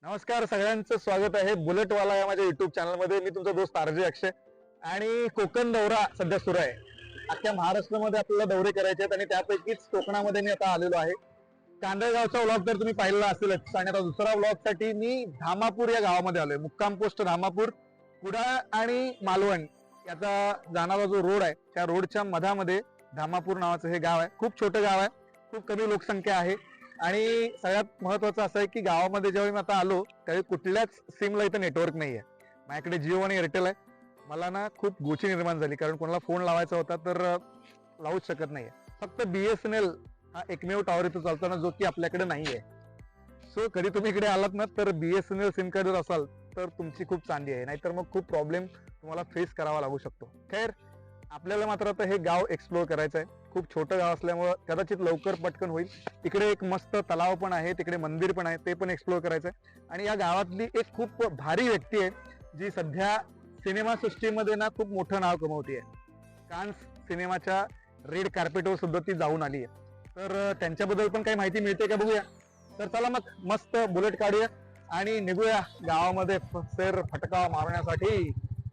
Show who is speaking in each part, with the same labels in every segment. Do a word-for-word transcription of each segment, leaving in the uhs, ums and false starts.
Speaker 1: नमस्कार, सगळ्यांचं स्वागत आहे बुलेटवाला या माझ्या युट्यूब चॅनलमध्ये. मी तुमचा दोस्त आरजे अक्षय. आणि कोकण दौरा सध्या सुरू आहे. अख्ख्या महाराष्ट्रामध्ये आपल्याला दौरे करायचे आहेत आणि त्यापैकीच कोकणामध्ये मी आता आलेलो आहे. कांदळगावचा व्लॉग तर तुम्ही पाहिलेला असेलच, आणि आता दुसरा व्लॉग साठी मी धामापूर या गावामध्ये आलोय. मुक्काम पोस्ट धामापूर. कुडाळ आणि मालवण याचा जाणारा जो रोड आहे त्या रोडच्या मधामध्ये धामापूर नावाचं हे गाव आहे. खूप छोटं गाव आहे, खूप कमी लोकसंख्या आहे. आणि सगळ्यात महत्वाचं असं आहे की गावामध्ये जेव्हा मी आता आलो त्यावेळी कुठल्याच सिमला इथं नेटवर्क नाहीये. माझ्याकडे जिओ आणि एअरटेल आहे. मला ना खूप गोची निर्माण झाली, कारण कोणाला फोन लावायचा होता तर लावूच शकत नाहीये. फक्त बीएसएनएल हा एकमेव टॉवर इथं चालताना जो की आपल्याकडे नाहीये. सो कधी तुम्ही इकडे आलात ना तर बीएसएनएल सिम कार्ड जर असाल तर तुमची खूप चांदी आहे, नाहीतर मग खूप प्रॉब्लेम तुम्हाला फेस करावा लागू शकतो. खैर, आपल्याला मात्र आता हे गाव एक्सप्लोर करायचं आहे. खूप छोटं गाव असल्यामुळं कदाचित लवकर पटकन होईल. इकडे एक मस्त तलाव पण आहे, तिकडे मंदिर पण आहे, ते पण एक्सप्लोर करायचं आहे. आणि या गावातली एक खूप भारी व्यक्ती आहे जी सध्या सिनेमा सृष्टीमध्ये ना खूप मोठं नाव कमवते आहे. कान्स सिनेमाच्या रेड कार्पेटवर सुद्धा ती जाऊन आली आहे. तर त्यांच्याबद्दल पण काही माहिती मिळते का बघूया. तर चला मग मस्त बुलेट काढूया आणि निघूया गावामध्ये फेर फटका मारण्यासाठी.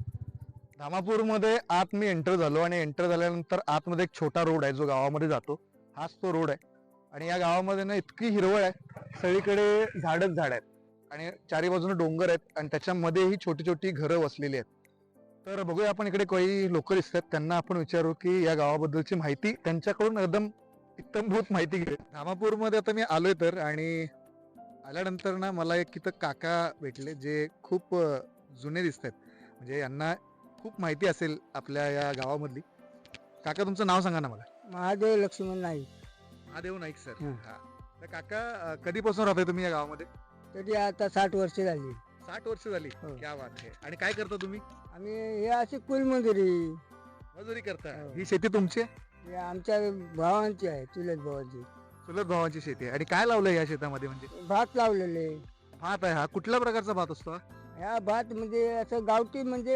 Speaker 1: धामापूरमध्ये आत मी एंटर झालो आणि एंटर झाल्यानंतर आतमध्ये एक छोटा रोड आहे जो गावामध्ये जातो. हाच तो रोड आहे. आणि या गावामध्ये ना इतकी हिरवळ आहे, सगळीकडे झाडच झाड आहेत आणि चारी बाजूने डोंगर आहेत आणि त्याच्यामध्ये ही छोटी छोटी घरं वसलेली आहेत. तर बघूया, आपण इकडे काही लोक दिसतात, त्यांना आपण विचारू की या गावाबद्दलची माहिती त्यांच्याकडून एकदम इत्तमभूत माहिती घे. धामापूरमध्ये आता मी आलोय तर, आणि आल्यानंतर ना मला एक इथं काका भेटले जे खूप जुने दिसत आहेत. म्हणजे यांना खूप माहिती असेल आपल्या या गावामधली. काका, तुमचं नाव सांगा ना मला.
Speaker 2: महादेव लक्ष्मण नाईक.
Speaker 1: महादेव नाईक सर. हा. तर काका, कधीपासून राहताय तुम्ही या गावामध्ये?
Speaker 2: तरी आता साठ वर्ष झाली.
Speaker 1: साठ वर्ष झाली.
Speaker 2: हो.
Speaker 1: क्या बात आहे. आणि काय करता तुम्ही?
Speaker 2: आम्ही हे अशी कुलमजुरी.
Speaker 1: मजुरी करता.
Speaker 2: हो.
Speaker 1: ही शेती तुमची आहे?
Speaker 2: हे आमच्या भावांची आहे, चुलत भावांची.
Speaker 1: चुलत भावांची शेती आहे. आणि काय लावलंय या शेतामध्ये? म्हणजे
Speaker 2: भात लावलेले.
Speaker 1: भात आहे. हा कुठल्या प्रकारचा भात असतो?
Speaker 2: ह्या भात म्हणजे असं गावठी, म्हणजे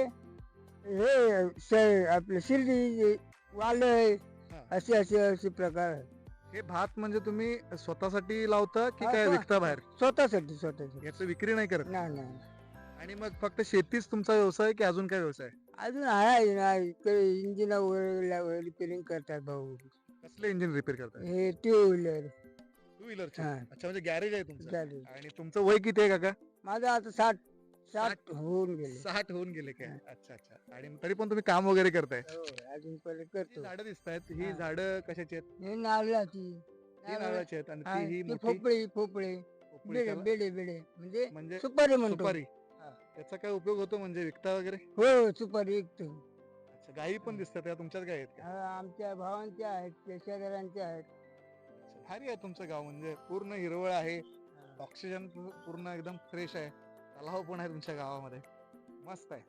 Speaker 2: हे श- आपलं शिर्डी वालय
Speaker 1: हा.
Speaker 2: असे असे असे प्रकार आहे.
Speaker 1: हे भात म्हणजे तुम्ही स्वतःसाठी लावता की
Speaker 2: हा,
Speaker 1: काय
Speaker 2: स्व-
Speaker 1: विकता बाहेर?
Speaker 2: स्वतःसाठी स्वतःसाठी.
Speaker 1: याचं विक्री नाही करत?
Speaker 2: नाही नाही.
Speaker 1: आणि मग फक्त शेतीच तुमचा व्यवसाय की अजून काय व्यवसाय?
Speaker 2: अजून आहे ना, इंजिन वगैरे रिपेअरिंग करतात भाऊ.
Speaker 1: कसले इंजिन रिपेअर करताय?
Speaker 2: हे टू व्हीलर.
Speaker 1: टू व्हीलरचे.
Speaker 2: हा.
Speaker 1: अच्छा, म्हणजे गॅरेज आहे तुमचं.
Speaker 2: चालेल.
Speaker 1: आणि तुमचं वय किती आहे काका?
Speaker 2: माझं आता साठ साठ
Speaker 1: साठ?
Speaker 2: होऊन गेले.
Speaker 1: साठ होऊन गेले काय? अच्छा अच्छा. आणि तरी पण तुम्ही काम वगैरे करताय?
Speaker 2: हो, अजून पहिले
Speaker 1: ही
Speaker 2: करतो.
Speaker 1: झाडं दिसतायत, ही
Speaker 2: हा.
Speaker 1: झाडं कशाची आहेत?
Speaker 2: हे नारळाची.
Speaker 1: ही नारळाची आहेत आणि
Speaker 2: हा,
Speaker 1: ती ही
Speaker 2: ती
Speaker 1: मोठी
Speaker 2: पोपळी पोपळे
Speaker 1: पोपळी
Speaker 2: बेडे
Speaker 1: त्याला-
Speaker 2: बेडे बेडे म्हणजे
Speaker 1: म्हणजे
Speaker 2: सुपारी म्हणतो.
Speaker 1: सुपारी.
Speaker 2: हा.
Speaker 1: त्याचा काय उपयोग होतो म्हणजे विकता वगैरे?
Speaker 2: हो, सुपारी विकतो.
Speaker 1: अच्छा, गायी पण दिसतात त्या तुमच्याच गायी आहेत का?
Speaker 2: हा, आमच्या भावांच्या आहेत, पेशादारांच्या आहेत.
Speaker 1: अच्छा, भारी आहे तुमचं गाव. म्हणजे पूर्ण हिरवळ आहे, ऑक्सिजन पूर्ण एकदम फ्रेश आहे, तलाव पण आहे तुमच्या गावामध्ये. मस्त आहे.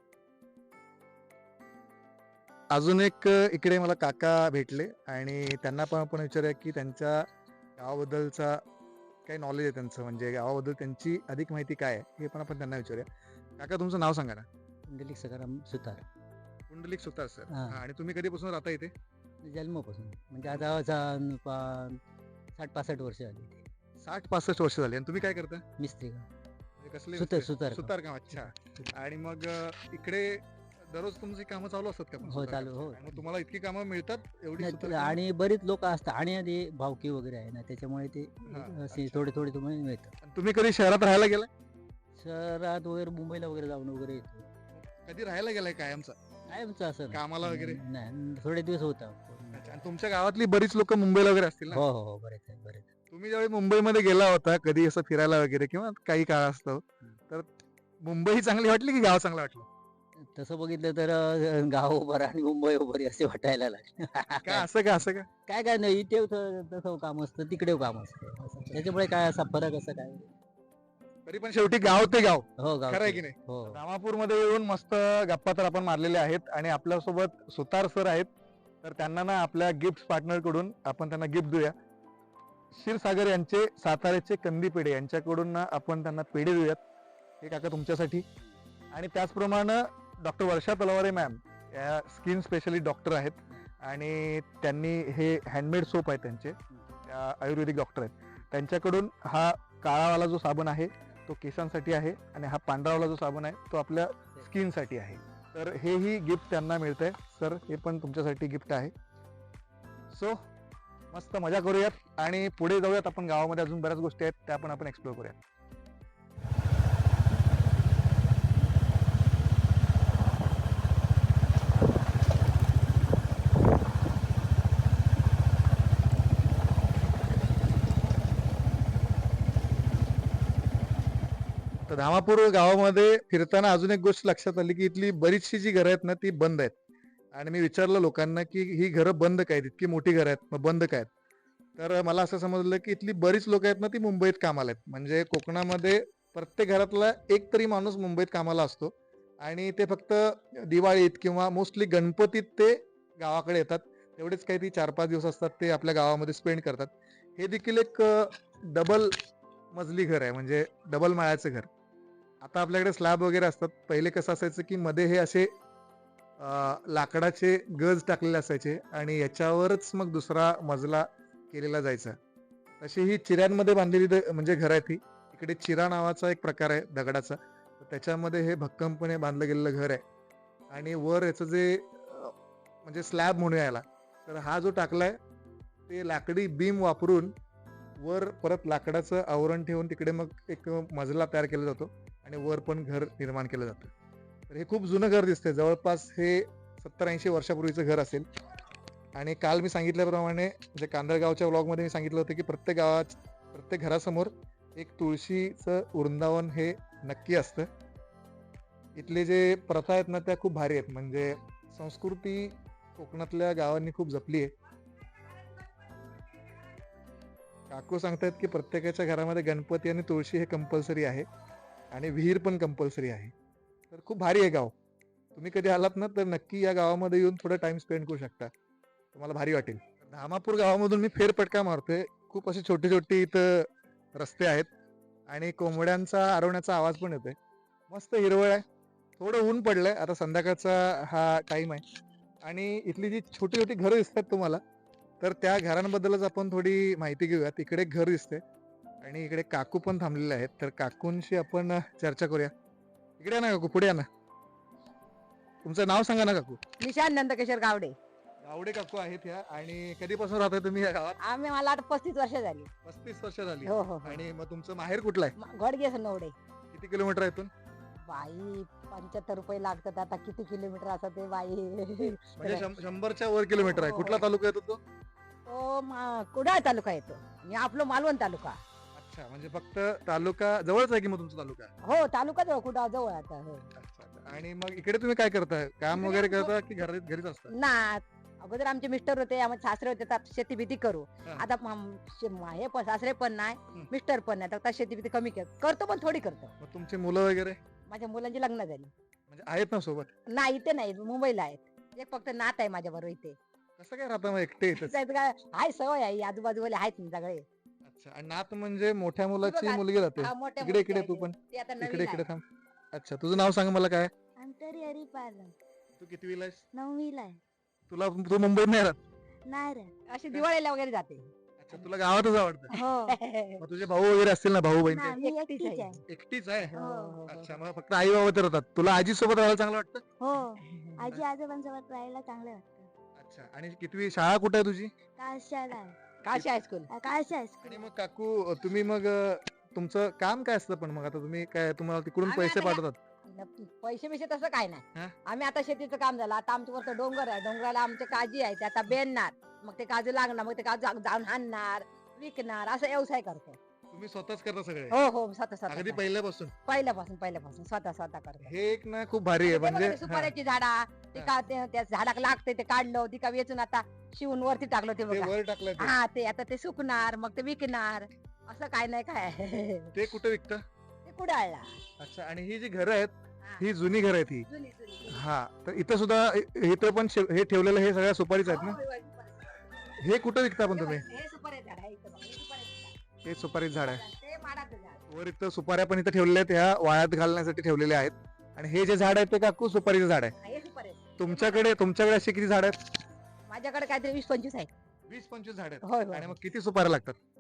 Speaker 1: अजून एक इकडे मला काका भेटले आणि त्यांना पण आपण विचारूया की त्यांच्या गावाबद्दलचा काय नॉलेज आहे त्यांचं, म्हणजे गावाबद्दल त्यांची अधिक माहिती काय आहे हे पण आपण त्यांना विचारूया. काका, तुमचं नाव सांगा ना.
Speaker 2: पुंडलिक सकाराम सुतार.
Speaker 1: पुंडलिक सुतार सर.
Speaker 2: हा.
Speaker 1: आणि तुम्ही कधीपासून राहता इथे?
Speaker 2: जन्मापासून म्हणजे आता साठ पासष्ट वर्ष झाली.
Speaker 1: साठ पासष्ट वर्ष झाली. आणि तुम्ही काय करता?
Speaker 2: मिस्त्री
Speaker 1: म्हणजे कसले
Speaker 2: सुतार-
Speaker 1: मिस्त्री?
Speaker 2: सुतार काम.
Speaker 1: सुतार काम. अच्छा. आणि मग अ, इकडे दररोज तुमची कामं चालू असतात का पण
Speaker 2: हो,
Speaker 1: सुतार
Speaker 2: चालू,
Speaker 1: कामाची?
Speaker 2: हो.
Speaker 1: आणि मग तुम्हाला इतकी कामं मिळतात एवढी सुतार कामं?
Speaker 2: आणि बरीच लोक असतात आणि आधी भावकी वगैरे आहे ना, त्याच्यामुळे ते
Speaker 1: हा,
Speaker 2: असे
Speaker 1: अच्छा.
Speaker 2: थोडे थोडे तुम्हाला मिळतात.
Speaker 1: आणि तुम्ही कधी शहरात राहायला गेलाय?
Speaker 2: शहरात वगैरे मुंबईला वगैरे जाऊन वगैरे येतो.
Speaker 1: कधी राहायला गेलाय कायमचा?
Speaker 2: कायमचं असं नाही.
Speaker 1: कामाला वगैरे?
Speaker 2: नाही, थोडे दिवस होता.
Speaker 1: अच्छा. आणि तुमच्या गावातली बरीच लोक मुंबईला वगैरे असतील ना?
Speaker 2: हो हो हो, बरेच आहे बरेच.
Speaker 1: तुम्ही ज्यावेळी मुंबईमध्ये गेला होता कधी असं फिरायला वगैरे किंवा काही काळ असतो, तर मुंबई चांगली वाटली की गाव चांगलं वाटलं?
Speaker 2: तसं बघितलं तर अं, गाव बरं आणि मुंबई बरी असे वाटायला लागले.
Speaker 1: काय असं का असं का?
Speaker 2: काय काय नाही, इथे थ- तसं काम असतं, तिकडे काम असतं असं. त्याच्यामुळे काय असा फरक असं काय.
Speaker 1: तरी पण शेवटी गाव ते गाव.
Speaker 2: हो, गाव
Speaker 1: खरं आहे की नाही?
Speaker 2: हो.
Speaker 1: धामापूरमध्ये येऊन मस्त गप्पा तर आपण मारलेल्या आहेत आणि आपल्यासोबत सुतार सर आहेत. तर त्यांना ना आपल्या गिफ्ट पार्टनर कडून आपण त्यांना गिफ्ट देऊया. क्षीरसागर यांचे साताऱ्याचे कंदी पेढे यांच्याकडून ना आपण त्यांना पेढे देऊयात. हे काका तुमच्यासाठी. आणि त्याचप्रमाणे डॉक्टर वर्षा तलवारे मॅम या स्किन स्पेशलिस्ट डॉक्टर आहेत आणि त्यांनी हे हँडमेड सोप आहे त्यांचे, त्या आयुर्वेदिक डॉक्टर आहेत, त्यांच्याकडून हा काळावाला जो साबण आहे तो केसांसाठी आहे आणि हा पांढरावाला जो साबण आहे तो आपल्या स्किनसाठी आहे. तर हेही गिफ्ट त्यांना मिळतंय. सर हे पण तुमच्यासाठी गिफ्ट आहे. सो मस्त मजा करूयात आणि पुढे जाऊयात. आपण गावामध्ये अजून बऱ्याच गोष्टी आहेत त्या पण आपण एक्सप्लोर करूयात. तर धामापूर गावामध्ये फिरताना अजून एक गोष्ट लक्षात आली की इथली बरीचशी जी घरं आहेत ना ती बंद आहेत. आणि मी विचारलं लोकांना की ही घरं बंद काय आहेत, इतकी मोठी घरं आहेत मग बंद काय आहेत. तर मला असं समजलं की इथली बरीच लोक आहेत ना ती मुंबईत कामाला आहेत. म्हणजे कोकणामध्ये प्रत्येक घरातला एक तरी माणूस मुंबईत कामाला असतो आणि ते फक्त दिवाळीत किंवा मोस्टली गणपतीत ते गावाकडे येतात. तेवढेच काही ती चार पाच दिवस असतात ते आपल्या गावामध्ये स्पेंड करतात. हे देखील एक डबल मजली घर आहे, म्हणजे डबल माळ्याचं घर. आता आपल्याकडे स्लॅब वगैरे असतात. पहिले कसं असायचं की मध्ये हे असे लाकडाचे गज टाकलेले असायचे आणि याच्यावरच मग दुसरा मजला केलेला जायचा. तशी ही चिऱ्यांमध्ये बांधलेली म्हणजे घर आहे ती. इकडे चिरा नावाचा एक प्रकार आहे दगडाचा, त्याच्यामध्ये हे भक्कमपणे बांधलं गेलेलं घर आहे. आणि वर याचं जे म्हणजे स्लॅब म्हणूया याला, तर हा जो टाकलाय ते लाकडी बीम वापरून वर परत लाकडाचं आवरण ठेवून तिकडे मग एक मजला तयार केला जातो आणि वर पण घर निर्माण केलं जातं. तर हे खूप जुनं घर दिसतंय. जवळपास हे सत्तर ऐंशी वर्षापूर्वीचं घर असेल. आणि काल मी सांगितल्याप्रमाणे म्हणजे कांदळगावच्या व्लॉगमध्ये मी सांगितलं होतं की प्रत्येक गावात प्रत्येक घरासमोर एक तुळशीचं वृंदावन हे नक्की असतं. इथले जे प्रथा आहेत ना त्या खूप भारी आहेत. म्हणजे संस्कृती कोकणातल्या गावांनी खूप जपली आहे. काकू सांगतात की प्रत्येकाच्या घरामध्ये गणपती आणि तुळशी हे कंपल्सरी आहे आणि विहीर पण कंपल्सरी आहे. तर खूप भारी आहे गाव. तुम्ही कधी आलात ना तर नक्की या गावामध्ये येऊन थोडा टाइम स्पेंड करू शकता, तुम्हाला भारी वाटेल. धामापूर गावामधून मी फेरफटका मारतोय. खूप असे छोटे छोटे इथं रस्ते आहेत आणि कोंबड्यांचा आरवण्याचा आवाज पण येतोय. मस्त हिरवळ आहे. थोडं ऊन पडलंय. आता संध्याकाळचा हा टाइम आहे आणि इथली जी छोटी छोटी घरं दिसतात तुम्हाला, तर त्या घरांबद्दलच आपण थोडी माहिती घेऊया. तिकडे एक घर दिसते आणि इकडे काकू पण थांबलेले आहेत. तर काकूंशी आपण चर्चा करूया. इकडे या ना काकू, पुढे या ना. तुमचं नाव सांगा ना काकू.
Speaker 3: निशांत नंदकिशोर गावडे.
Speaker 1: गावडे काकू आहेत ह्या. आणि कधीपासून राहताय तुम्ही या गावात?
Speaker 3: आम्ही मला आता पस्तीस वर्ष झाली.
Speaker 1: पस्तीस वर्ष झाली.
Speaker 3: हो हो हो.
Speaker 1: आणि मग तुमचं माहेर कुठलं आहे?
Speaker 3: घोडगे नवडे.
Speaker 1: किती किलोमीटर आहे इथून?
Speaker 3: बाई पंच्याहत्तर रुपये लागतात. आता किती किलोमीटर असं ते बाई.
Speaker 1: म्हणजे शं- शंभरच्या वर किलोमीटर आहे.
Speaker 3: हो.
Speaker 1: कुठला तालुका येतो तो?
Speaker 3: तो मा- कुडाळ तालुका येतो. मी आपलं मालवण तालुका.
Speaker 1: अच्छा, म्हणजे फक्त तालुका जवळच आहे की मग तुमचा तालुका?
Speaker 3: हो तालुका जवळ कुडाळ जवळ आता. हो.
Speaker 1: अच्छा, अच्छा. आणि मग इकडे तुम्ही काय करताय? काम
Speaker 3: इकडे
Speaker 1: वगैरे
Speaker 3: आमचं-
Speaker 1: करता की घरी घरीच असता?
Speaker 3: ना अगोदर आमचे मिस्टर होते, आम्हाला सासरे होते, तर शेती भीती करू.
Speaker 1: हा.
Speaker 3: आता म- शे- म- हे पण सासरे पण नाही,
Speaker 1: हम्म.
Speaker 3: मिस्टर पण नाही, तर आता शेती भीती कमी कर- करतो, पण थोडी करतो.
Speaker 1: मग तुमची मुलं वगैरे
Speaker 3: माझ्या मुलांची लग्न झाली.
Speaker 1: म्हणजे आहेत ना सोबत?
Speaker 3: नाही इथे नाही, मुंबईला आहेत. एक फक्त नात आहे माझ्या बरोबर इथे.
Speaker 1: कसं काय राहता मग एकटे इथेच?
Speaker 3: त्याचं काय आहे, सवय आहे, आजूबाजूवाले आहेत ना सगळे.
Speaker 1: अच्छा. आणि नात म्हणजे मोठ्या मुलाची
Speaker 3: बघा,
Speaker 1: मुलगी राहते?
Speaker 3: हा, मोठ्या
Speaker 1: इकडे
Speaker 3: मुलीचे
Speaker 1: इकडे
Speaker 3: आहे
Speaker 1: तू
Speaker 3: ते.
Speaker 1: पण
Speaker 3: ते आता
Speaker 1: इकडे
Speaker 3: नवीन
Speaker 1: इकडे
Speaker 3: आहे.
Speaker 1: थांब. अच्छा, तुझं नाव सांग मला. काय
Speaker 4: अंतरी हरिपालन
Speaker 1: तू कितवीला आहेस?
Speaker 4: नववीला आहे.
Speaker 1: तुला तू मुंबईत नाही राहत?
Speaker 4: नाही रे.
Speaker 3: अशी दिवाळीला वगैरे जाते.
Speaker 1: अच्छा, तुला गावातच आवडतं.
Speaker 4: हो.
Speaker 1: मग तुझे भाऊ वगैरे असतील ना, भाऊ बहीण
Speaker 4: नाही,
Speaker 1: काही?
Speaker 4: मी
Speaker 3: एकटीच
Speaker 4: एकटीच
Speaker 3: आहे.
Speaker 4: आहे.
Speaker 1: एकटीच आहे?
Speaker 3: हो, हो, हो.
Speaker 1: अच्छा, मग फक्त आई बाबा तर राहतात. तुला आजी सोबत राहायला चांगलं वाटतं?
Speaker 4: हो. आजी आजोबांसोबत राहायला चांगलं वाटतं.
Speaker 1: अच्छा. आणि कितवी शाळा कुठे आहे तुझी?
Speaker 4: काशाला आहे.
Speaker 3: काशी हायस्कूल.
Speaker 4: काशा हायस्कूल.
Speaker 1: आणि मग काकू तुम्ही मग अं, तुमचं काम काय असतं? पण मग आता तुम्ही काय, तुम्हाला तिकडून
Speaker 3: आम्ही
Speaker 1: पैसे
Speaker 3: आता काय-
Speaker 1: पाठवतात?
Speaker 3: पैसे बिशे तसं काय
Speaker 1: हा?
Speaker 3: नाही. आम्ही आता शेतीचं काम झालं. आता आमच्या वरचं डोंगर आहे, डोंगराला आमचे काजी आहे, ते आता बेनणार, मग ते काजू लागणार, मग ते काजू जा- जाऊन आणणार, विकणार, असं व्यवसाय करतो.
Speaker 1: तुम्ही स्वतःच करता सगळे?
Speaker 3: हो हो स्वतः
Speaker 1: अगदी
Speaker 3: स्वतः
Speaker 1: पहिल्यापासून?
Speaker 3: पहिल्यापासून पहिल्यापासून स्वतः स्वतः करतो.
Speaker 1: हे एक ना खूप भारी आहे.
Speaker 3: ते बघा
Speaker 1: म्हणजे
Speaker 3: ते सुपाऱ्याची झाडा, ते
Speaker 1: हा.
Speaker 3: का ते- त्या झाडाला लागते, ते काढलं, ती का वेचून आता शिवून वरती टाकलं, ते
Speaker 1: हा, ते
Speaker 3: बघा.
Speaker 1: वर टाकलंय ते.
Speaker 3: हा, ते आता ते सुकणार, मग ते विकणार, असं काय नाही काय.
Speaker 1: ते कुठे विकतं?
Speaker 3: ते कुडाळला.
Speaker 1: अच्छा. आणि ही जी घरं आहेत
Speaker 3: हा.
Speaker 1: ही जुनी घरं आहेत ही?
Speaker 3: जुनी- जुनी.
Speaker 1: हा. तर इथं सुद्धा इ- इथं पण शे- हे ठेवलेलं हे सगळ्या सुपारीच आहेत ना?
Speaker 3: होय, होय, सुपारी.
Speaker 1: हे कुठं विकता पण
Speaker 3: हे
Speaker 1: तुम्ही?
Speaker 3: बघ, हे सुपारीचं झाड आहे, इथं बघा, हे सुपारीचं झाड.
Speaker 1: हे सुपारीच झाड आहे.
Speaker 3: ते माडाचं झाड.
Speaker 1: वर इथं सुपाऱ्या पण इथं ठेवलेल्या आहेत, ह्या वाळ्यात घालण्यासाठी ठेवलेल्या आहेत. आणि हे जे झाड आहे ते काकू सुपारीचं झाड आहे.
Speaker 3: हा, हे सुपारीचं.
Speaker 1: तुमच्याकडे तुमच्याकडे अशी किती झाड आहेत?
Speaker 3: माझ्याकडे काहीतरी वीस पंचवीस आहे.
Speaker 1: वीस पंचवीस झाड आहेत.
Speaker 3: होय होय.
Speaker 1: आणि मग किती सुपाऱ्या लागतात?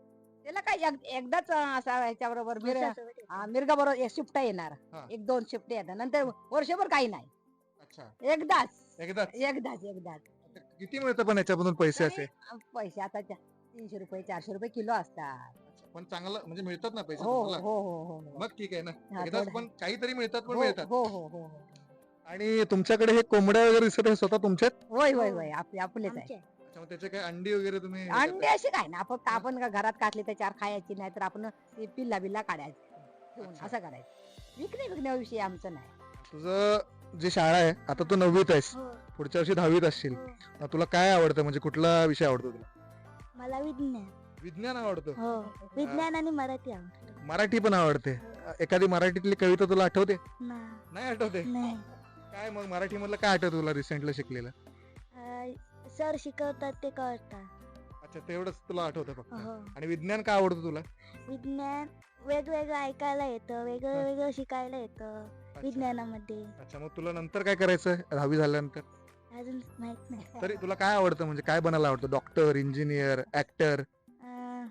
Speaker 3: त्याला काय एक- एकदाच असा ह्याच्या बरोबर
Speaker 4: वर्षासोबत येतो.
Speaker 3: मिरगा बरोबर एक शिफ्ट येणार
Speaker 1: हा.
Speaker 3: एक दोन शिफ्ट येणार नंतर वर्षभर काही नाही
Speaker 1: अच्छा
Speaker 3: एकदाच
Speaker 1: एकदाच
Speaker 3: एकदाच एकदाच
Speaker 1: आता किती मिळतं पण याच्यामधून पैसे असे
Speaker 3: तरी पैसे आता चा- तीनशे रुपये चारशे रुपये किलो असतात
Speaker 1: अच्छा, पण चांगलं म्हणजे मिळतात ना पैसे
Speaker 3: हो हो
Speaker 1: तुम्हाला?
Speaker 3: हो हो हो हो.
Speaker 1: मग ठीक आहे ना
Speaker 3: हा,
Speaker 1: एकदाच
Speaker 3: थोडं-
Speaker 1: पण काहीतरी मिळतात पण
Speaker 3: हो
Speaker 1: मिळतात
Speaker 3: हो हो हो हो.
Speaker 1: आणि तुमच्याकडे हे कोंबड्या वगैरे दिसत आहे स्वतः तुमच्यात
Speaker 3: होय होय होय आपले आपलेच आहे
Speaker 4: आमचे आहे.
Speaker 1: अच्छा मग त्याचे काय अंडी वगैरे तुम्ही हे
Speaker 3: अंडे
Speaker 1: करता?
Speaker 3: अशी काय ना आपण आपण का घरात काढली त्याच्यावर खायची नाही तर आपण ते पिल्ला बिल्ला काढायचं ठेवून
Speaker 1: अच्छा.
Speaker 3: असं करायचं विकणे विकण्याविषयी आमचं नाही
Speaker 1: तुझं जी शाळा आहे आता तू नववीत आहेस
Speaker 4: हो,
Speaker 1: पुढच्या वर्षी दहावीत असशील
Speaker 4: हो.
Speaker 1: मग तुला काय आवडतं म्हणजे कुठला विषय आवडतो तुला
Speaker 4: मला विज्ञान
Speaker 1: विज्ञान आवडतं
Speaker 4: हो विज्ञान आणि मराठी आवडतं.
Speaker 1: मराठी पण आवडते एखादी मराठीतली कविता तुला आठवते
Speaker 4: ना-
Speaker 1: नाही आठवते
Speaker 4: नाही
Speaker 1: काय मग मराठी मधलं काय आठवतं तुला रिसेंटली शिकलेलं
Speaker 4: अं, सर शिकवतात ते कळतात.
Speaker 1: अच्छा तेवढंच तुला आठवतं फक्त
Speaker 4: हो
Speaker 1: आणि विज्ञान काय आवडतं तुला
Speaker 4: विज्ञान वेगवेगळं ऐकायला येतं वेगळं वेगळं शिकायला येतं
Speaker 1: अच्छा.
Speaker 4: विज्ञानामध्ये.
Speaker 1: अच्छा मग तुला नंतर काय करायचं दहावी झाल्यानंतर
Speaker 4: अजून माहित नाही.
Speaker 1: तरी तुला काय आवडतं म्हणजे काय बनायला आवडतं डॉक्टर इंजिनियर ऍक्टर
Speaker 4: अं,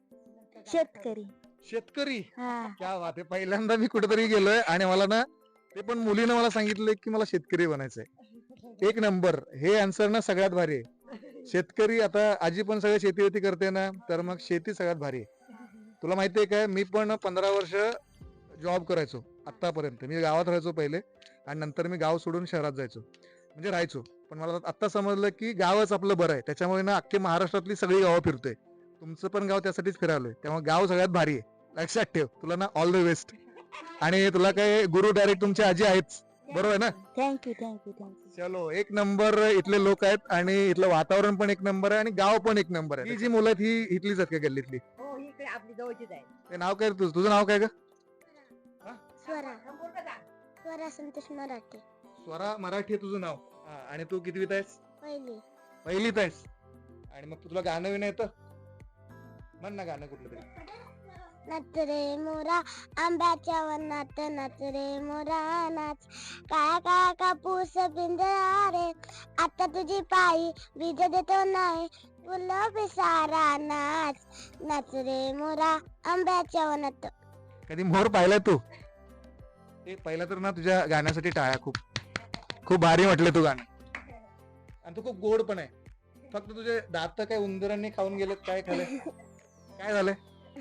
Speaker 4: शेतकरी.
Speaker 1: शेतकरी
Speaker 4: हा
Speaker 1: क्या बात आहे पहिल्यांदा मी कुठेतरी गेलोय आणि मला ना ते पण मुलीनं मला सांगितलं की मला शेतकरी बनायचंय एक नंबर हे आन्सर ना सगळ्यात भारी आहे शेतकरी आता आजी पण सगळं शेती वेती करते ना तर मग शेती सगळ्यात भारी आहे तुला माहितीये काय मी पण पंधरा वर्ष जॉब करायचो आतापर्यंत मी गावात राहायचो पहिले आणि नंतर मी गाव सोडून शहरात जायचो म्हणजे राहायचो पण मला आता समजलं की गावच आपलं बरं आहे त्याच्यामुळे ना अख्खे महाराष्ट्रातली सगळी गावं फिरतोय तुमचं पण गाव त्यासाठीच फिरालोय त्यामुळे गाव सगळ्यात भारी आहे लक्षात ठेव तुला ना ऑल द बेस्ट आणि तुला काय गुरु डायरेक्ट तुमची आजी आहेच बरोबर आहे ना
Speaker 4: थँक्यू थँक्यू थँक्यू.
Speaker 1: चलो एक नंबर इथले लोक आहेत आणि इथलं वातावरण पण एक नंबर आहे आणि गाव पण एक नंबर आहे ही जी मुलं आहेत ही इथलीच आहेत का गल्लीतली
Speaker 3: हो ही इकडे आपली जवळचीच आहे
Speaker 1: ते नाव काय रे तुझं तुझं नाव काय ग
Speaker 4: स्वरा
Speaker 3: संपूर्ण का?
Speaker 4: स्वरा संतोष मराठे
Speaker 1: स्वरा मराठी आहे तुझं नाव हा, आणि तू कितवीत आहेस
Speaker 4: पहिली.
Speaker 1: पहिलीत आहेस आणि मग तुला गाणं विणं येतं म्हण ना गाणं कुठलं तरी
Speaker 4: नाच रे मोरा आंब्याच्या वनात नाच रे मोरा नाच काय काय कापूस पिंजरा रे आता तुझी पायी बीज देतो नाही फुलं पिसारा नाच नाच रे मोरा आंब्याच्या वनात.
Speaker 1: कधी मोर पाहिलाय तू ते पहिला तर ना तुझ्या गाण्यासाठी टाळ्या खूप खूप भारी म्हटलं तू गाणं आणि तू खूप गोड पण आहे फक्त तुझे दात काय उंदरांनी खाऊन गेलेत काय खाल्लंय काय झालंय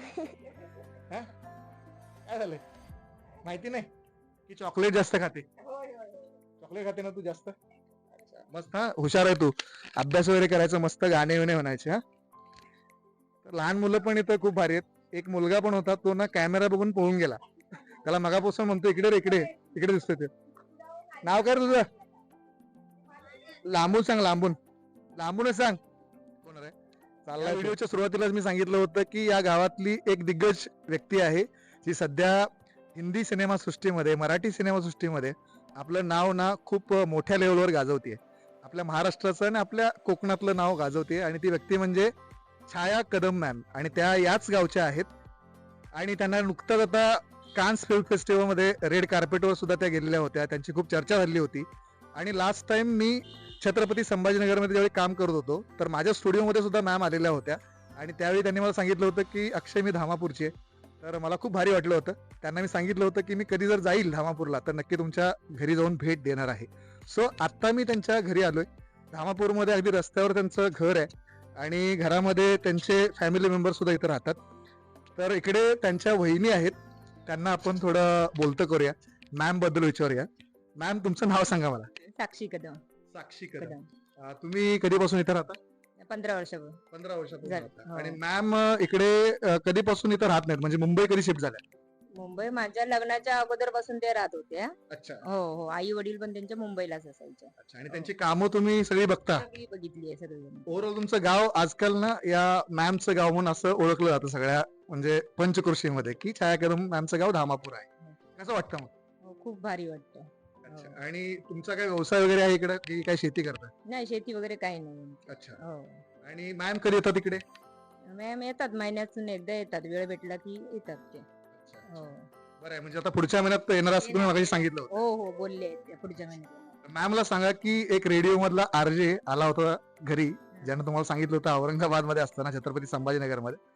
Speaker 1: हा? काय झालंय माहिती नाही की चॉकलेट जास्त खाते चॉकलेट खाते ना तू जास्त अच्छा, मस्त हा हुशार आहे तू अभ्यास वगैरे करायचं मस्त गाणे विणे म्हणायचे हा तर लहान मुलं पण इथं खूप भारी आहेत एक मुलगा पण होता तो ना कॅमेरा बघून पळून गेला त्याला मगापासून म्हणतो इकडे रे, इकडे इकडे दिसतोय ते नाव काय रे तुझं लांबून सांग लांबून लांबूनच सांग कोण रे चालला व्हिडिओच्या सुरुवातीलाच मी सांगितलं होतं की या गावातली एक दिग्गज व्यक्ती आहे जी सध्या हिंदी सिनेमा सृष्टीमध्ये मराठी सिनेमा सृष्टीमध्ये आपलं नाव ना खूप मोठ्या लेवलवर गाजवते आपल्या महाराष्ट्राचं आणि आपल्या कोकणातलं नाव गाजवते आणि ती व्यक्ती म्हणजे छाया कदम मॅम आणि त्या याच गावच्या आहेत आणि त्यांना नुकताच आता कान्स फिल्म फेस्टिवल मध्ये रेड कार्पेटवर सुद्धा त्या गेलेल्या होत्या त्यांची खूप चर्चा झाली होती आणि लास्ट टाइम मी छत्रपती संभाजीनगरमध्ये ज्यावेळी काम करत होतो तर माझ्या स्टुडिओमध्ये सुद्धा मॅम आलेल्या होत्या आणि त्यावेळी त्यांनी मला सांगितलं होतं की अक्षय मी धामापूरची आहे तर मला खूप भारी वाटलं होतं त्यांना मी सांगितलं होतं की मी कधी जर जाईल धामापूरला तर नक्की तुमच्या घरी जाऊन भेट देणार आहे सो आत्ता मी त्यांच्या घरी आलोय धामापूरमध्ये अगदी रस्त्यावर त्यांचं घर आहे आणि घरामध्ये त्यांचे फॅमिली मेंबर सुद्धा इथे राहतात तर इकडे त्यांच्या वहिनी आहेत त्यांना आपण थोडं बोलतं करूया मॅम बद्दल विचारूया मॅम तुमचं नाव सांगा मला
Speaker 3: साक्षी कदम
Speaker 1: साक्षी
Speaker 3: कदम
Speaker 1: अं, तुम्ही कधीपासून इथे राहता
Speaker 3: पंधरा वर्ष
Speaker 1: पंधरा वर्षापासून
Speaker 3: झालं,
Speaker 1: राहता.
Speaker 3: हो.
Speaker 1: आणि मॅम इकडे अं, कधीपासून इथं राहत नाहीत म्हणजे मुंबई कधी शिफ्ट झाल्या
Speaker 3: मुंबई माझ्या लग्नाच्या अगोदर पासून ते राहत होते
Speaker 1: अच्छा
Speaker 3: हो हो आई वडील पण त्यांच्या मुंबईलाच असायचे
Speaker 1: अच्छा आणि त्यांची कामं तुम्ही सगळी बघता
Speaker 3: सगळी बघितली आहे सगळी
Speaker 1: ओव्हरऑल तुमचं गाव आजकाल ना या मॅमचं गाव म्हणून असं ओळखलं जातं सगळ्या म्हणजे पंचकृषीमध्ये की छाया कदम मॅमचं गाव धामापूर आहे कसं वाटतं मग
Speaker 3: हो, खूप भारी वाटतं
Speaker 1: अच्छा आणि तुमचा काय व्यवसाय वगैरे आहे इकडे की काय शेती करता
Speaker 3: नाही शेती वगैरे काही नाही
Speaker 1: अच्छा
Speaker 3: हो
Speaker 1: आणि मॅम कधी येतात इकडे
Speaker 3: मॅम येतात महिन्यातून एकदा येतात वेळ भेटला की येतात ते हो
Speaker 1: बरं आहे म्हणजे आता पुढच्या महिन्यात येणार असं तुम्ही मगाशी सांगितलं होतं
Speaker 3: हो हो बोलले ते पुढच्या महिन्यात
Speaker 1: मॅमला सांगा की एक रेडिओ मधला आरजे आला होता घरी ज्यानं तुम्हाला सांगितलं होतं औरंगाबाद मध्ये असताना छत्रपती संभाजीनगर मध्ये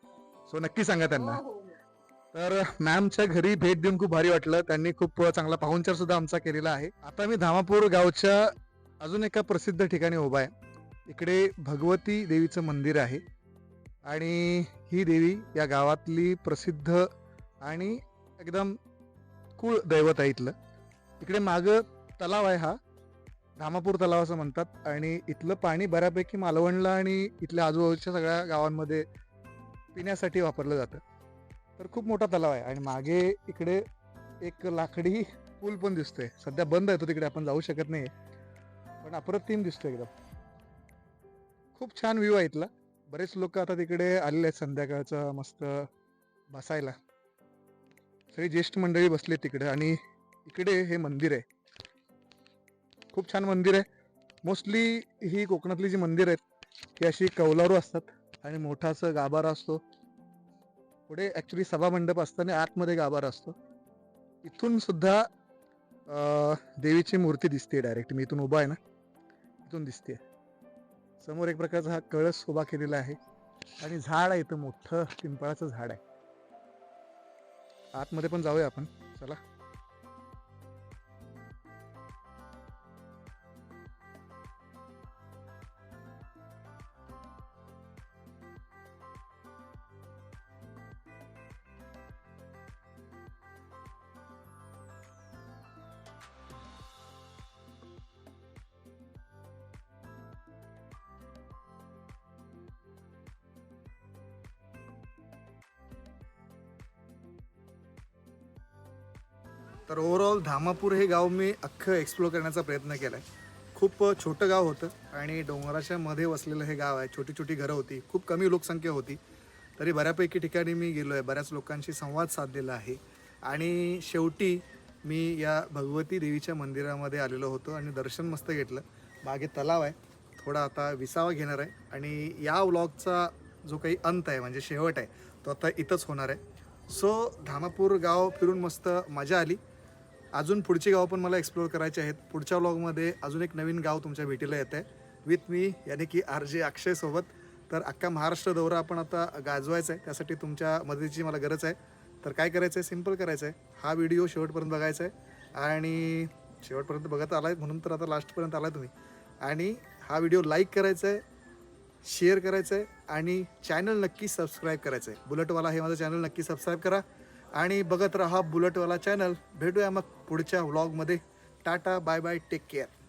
Speaker 1: सो नक्की सांगा त्यांना.
Speaker 3: हो, हो.
Speaker 1: तर मॅमच्या घरी भेट देऊन खूप भारी वाटलं. त्यांनी खूप चांगला पाहुणचार सुद्धा आमचा केलेला आहे. आता मी धामापूर गावच्या अजून एका प्रसिद्ध ठिकाणी उभा आहे. इकडे भगवती देवीचं मंदिर आहे आणि ही देवी या गावातली प्रसिद्ध आणि एकदम कुळ दैवत आहे इथलं. इकडे मागं तलाव आहे, हा धामापूर तलाव असं म्हणतात आणि इथलं पाणी बऱ्यापैकी मालवणला आणि इथल्या आजूबाजूच्या सगळ्या गावांमध्ये पिण्यासाठी वापरलं जातं. तर खूप मोठा तलाव आहे आणि मागे इकडे एक लाकडी पूल पण दिसतोय. सध्या बंद आहे तो, तिकडे आपण जाऊ शकत नाही, पण अप्रतिम दिसतोय एकदम. खूप छान व्ह्यू आहे इथला. बरेच लोक आता तिकडे आलेले आहेत संध्याकाळचं मस्त बसायला. सगळी ज्येष्ठ मंडळी बसले तिकडे आणि इकडे हे मंदिर आहे. खूप छान मंदिर आहे. मोस्टली ही कोकणातली जी मंदिर आहेत ही अशी कौलारू असतात आणि मोठा असं गाभारा असतो. पुढे ॲक्च्युली सभामंडप असतं आणि आतमध्ये गाभारा असतो. इथून सुद्धा अं, देवीची मूर्ती दिसते डायरेक्ट. मी इथून उभा आहे ना, इथून दिसते. समोर एक प्रकारचा हा कळस उभा केलेला आहे आणि झाड आहे इथं, मोठं पिंपळाचं झाड आहे. आतमध्ये पण जाऊया आपण, चला. तर ओव्हरऑल धामापूर हे गाव मी अख्खं एक्सप्लोर करण्याचा प्रयत्न केला आहे. खूप छोटं गाव होतं आणि डोंगराच्या मध्ये वसलेलं हे गाव आहे. छोटी छोटी घरं होती, खूप कमी लोकसंख्या होती. तरी बऱ्यापैकी ठिकाणी मी गेलो आहे, बऱ्याच लोकांशी संवाद साधलेला आहे आणि शेवटी मी या भगवती देवीच्या मंदिरामध्ये आलेलो होतो आणि दर्शन मस्त घेतलं. मागे तलाव आहे, थोडा आता विसावा घेणार आहे आणि या व्लॉगचा जो काही अंत आहे म्हणजे शेवट आहे तो आता इथंच होणार आहे. सो धामापूर गाव फिरून मस्त मजा आली. अजून पुढची गावं पण मला एक्सप्लोअर करायची आहेत. पुढच्या व्लॉगमध्ये अजून एक नवीन गाव तुमच्या भेटीला येत आहे विथ मी यानी की आर जे अक्षयसोबत. तर अख्खा महाराष्ट्र दौरा आपण आता गाजवायचा आहे, त्यासाठी तुमच्या मदतीची मला गरज आहे. तर काय करायचं आहे, सिम्पल करायचं आहे, हा व्हिडिओ शेवटपर्यंत बघायचा आहे आणि शेवटपर्यंत बघत आला आहे म्हणून तर आता लास्टपर्यंत आला तुम्ही. आणि हा व्हिडिओ लाईक करायचा आहे, शेअर करायचं आहे आणि चॅनल नक्की सबस्क्राईब करायचं आहे. बुलेटवाला हे माझं चॅनल नक्की सबस्क्राईब करा आणि बघत राहा बुलेटवाला चॅनल. भेटूया मग पुढच्या व्लॉगमध्ये. Tata, bye bye, take care.